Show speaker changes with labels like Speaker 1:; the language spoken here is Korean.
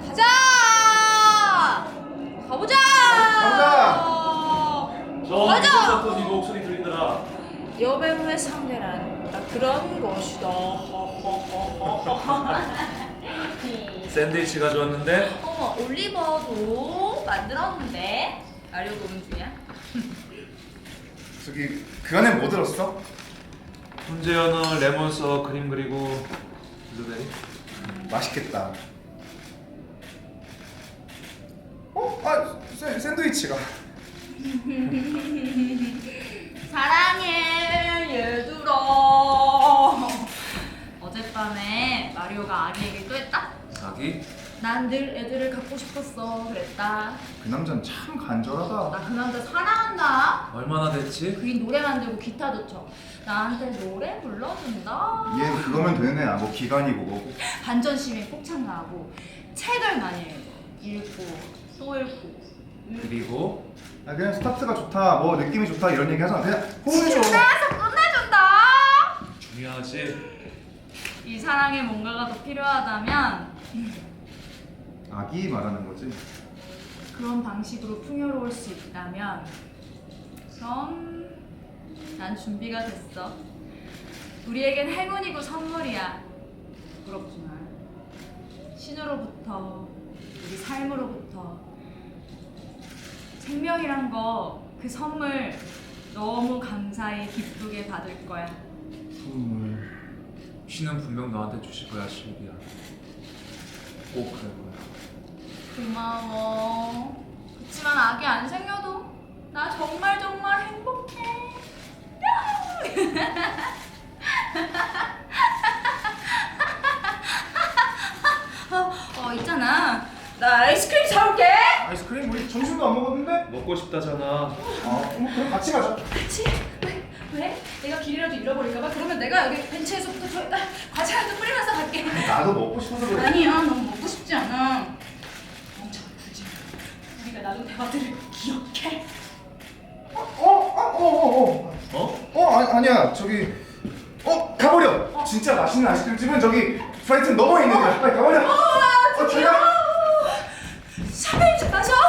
Speaker 1: 가자! 가보자! 가자!
Speaker 2: 또 네 목소리 들리더라.
Speaker 1: 여배우의 상대란 그런 것이다.
Speaker 2: 샌드위치 가져왔는데
Speaker 1: 어머, 올리버도 만들었는데 알려 보는 중이야?
Speaker 3: 저기 그 안에 뭐 들었어?
Speaker 2: 훈제연어 레몬서 그림 그리고 블루베리.
Speaker 3: 맛있겠다. 샌드위치가.
Speaker 1: 사랑해 얘들아. 어젯밤에 마리오가 아기 얘기를 또 했다.
Speaker 2: 아기?
Speaker 1: 난 늘 애들을 갖고 싶었어 그랬다.
Speaker 3: 그 남자는 참 간절하다.
Speaker 1: 나 그 남자 사랑한다.
Speaker 2: 얼마나 됐지?
Speaker 1: 그린 노래 만들고 기타도 쳐. 나한테 노래 불러준다.
Speaker 3: 얘 그거면 되네. 뭐 기간이고 뭐고.
Speaker 1: 반전 시민 꼭 참가하고 책을 많이 읽고 또 읽고.
Speaker 2: 그리고
Speaker 3: 그냥 스타트가 좋다. 뭐 느낌이 좋다 이런 얘기 하잖아. 그냥 호응해줘.
Speaker 1: 신나서 끝내준다.
Speaker 2: 중요하지.
Speaker 1: 이 사랑에 뭔가가 더 필요하다면
Speaker 3: 아기 말하는 거지.
Speaker 1: 그런 방식으로 풍요로울 수 있다면 그럼 난 준비가 됐어. 우리에겐 행운이고 선물이야. 부럽지만 신으로부터 우리 삶으로부터 생명이란 거 그 선물 너무 감사히 기쁘게 받을 거야.
Speaker 3: 선물.
Speaker 2: 신은 분명 너한테 주실 거야, 실비야. 꼭 그럴 거야.
Speaker 1: 고마워. 그치만 아기 안 생겨도 나 정말 정말 행복해. 있잖아. 나 아이스크림 사올게.
Speaker 3: 아이스크림 우리 점심도 안 먹었는데?
Speaker 2: 먹고 싶다잖아.
Speaker 3: 뭐 그럼 같이 가자.
Speaker 1: 같이? 왜? 내가 길이라도 잃어버릴까봐? 그러면 내가 여기 벤치에서부터 저기다 과자 한 개 뿌리면서 갈게.
Speaker 3: 나도 먹고 싶어서 그래.
Speaker 1: 아니야, 너무 먹고 싶지 않아. 엄청 굳이. 우리가 나눈 대화들을 기억해.
Speaker 3: 아니야. 저기 가버려. 진짜 맛있는 아이스크림 집은 저기 프라이튼 넘어 있는 거야. 빨리 가버려.
Speaker 1: 귀여워. 샤베이지 마셔.